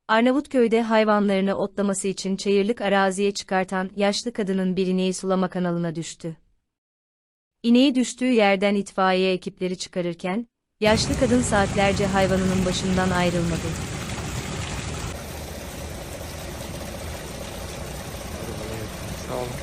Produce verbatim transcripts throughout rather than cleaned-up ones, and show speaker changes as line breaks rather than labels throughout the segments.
Arnavutköy'de hayvanlarını otlaması için çayırlık araziye çıkartan yaşlı kadının bir ineği sulama kanalına düştü. İneği düştüğü yerden itfaiye ekipleri çıkarırken, yaşlı kadın saatlerce hayvanının başından ayrılmadı.
Sağ olun.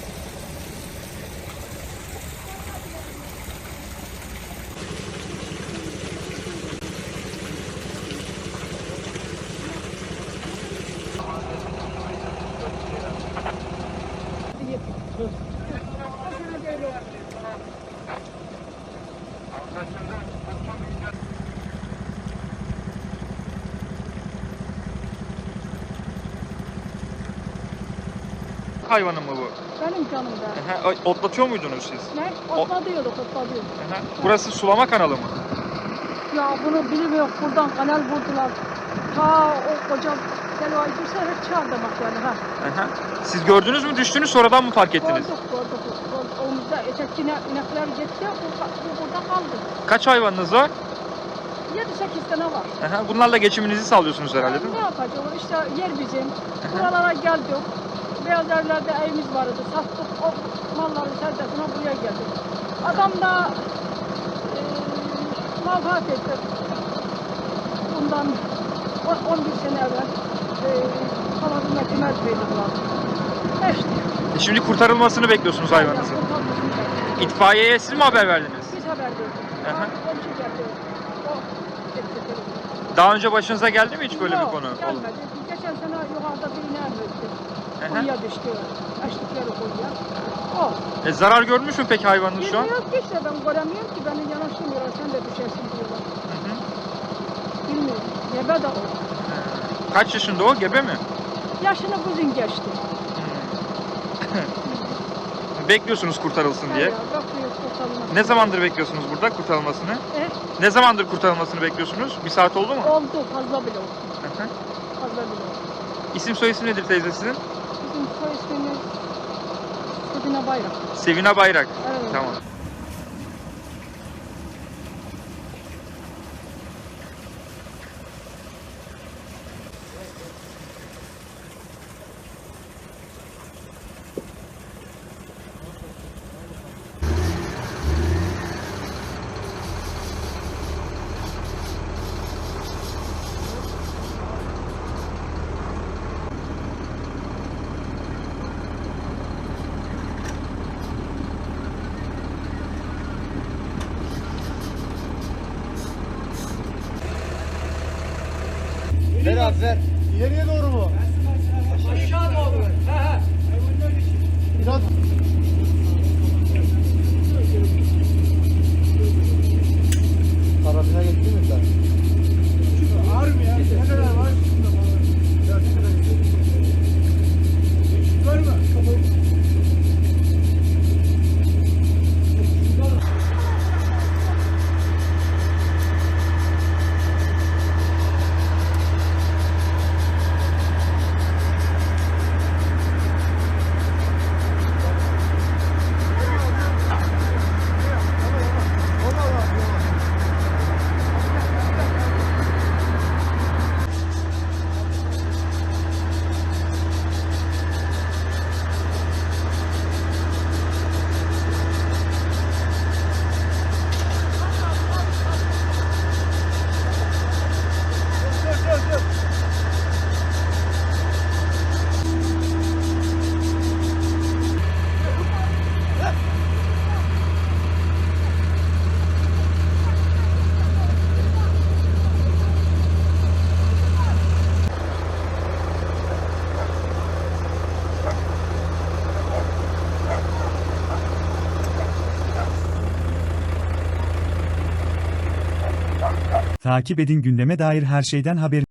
Hayvanı mı bu?
Benim canımda.
Aha, otlatıyor muydunuz siz?
Ne? Otladıyorduk, otladıyorduk.
Aha. Burası sulama kanalı mı?
Ya bunu bilmiyorum, buradan kanal buldular. Ta o koca Selva Gürse hep çağırdamak yani ha.
Aha. Siz gördünüz mü, düştünüz, sonradan mı fark ettiniz?
Gördük, gördük. gördük. Omuzda ötekine inekler gitti, bu, bu burada kaldı.
Kaç hayvanınız var?
yedi sekiz tane var.
Aha. Bunlarla geçiminizi sağlıyorsunuz herhalde, değil
Ne
mi?
yapacağız? İşte yer bizim. Buralara geldik. Beyaz evlerde evimiz vardı. Sattık o malları sercesine buraya geldik. Adam da e, malfat etti. Bundan on bir sene evvel e, kanadında kümer verdiler. İşte.
E şimdi kurtarılmasını bekliyorsunuz hayvanınızın. İtfaiyeye siz mi haber verdiniz?
Biz haber verdik.
Aha.
Komşu geldi. O etti.
Daha önce başınıza geldi mi hiç böyle
Yok,
bir konu?
gelmedi. Geçen sene yukarıda bir iner öldü.
Aha.
Kuyuya düştü. Açtıkları kuyuya. O.
E, zarar görmüş mü peki hayvanınız şu an?
Bilmiyorum ki işte, ben göremiyorum ki, beni yanaştırmıyorlar, sen de düşersin diyorlar.
Hı hı.
Bilmiyorum. Gebe de o.
Ee, Kaç yaşında o? Gebe mi?
Yaşını bugün geçti.
Bekliyorsunuz kurtarılsın diye.
Ya, bakıyor kurtarılması.
Ne zamandır bekliyorsunuz burada kurtarılmasını?
E,
Ne zamandır kurtarılmasını bekliyorsunuz? Bir saat oldu mu?
oldu, fazla bile oldu.
Hı hı.
Fazla bile oldu.
İsim soy isim nedir teyze sizin?
Bizim soy ismimiz Sedine Bayrak.
Sevina Bayrak.
Evet.
Tamam.
Ver abi ver. İleriye doğru mu?
Aşağı doğru. He he.
Biraz. Karabine gitti mi sen?
Ağır mı ya? Ne kadar var? Var mı?
Takip edin, gündeme dair her şeyden haber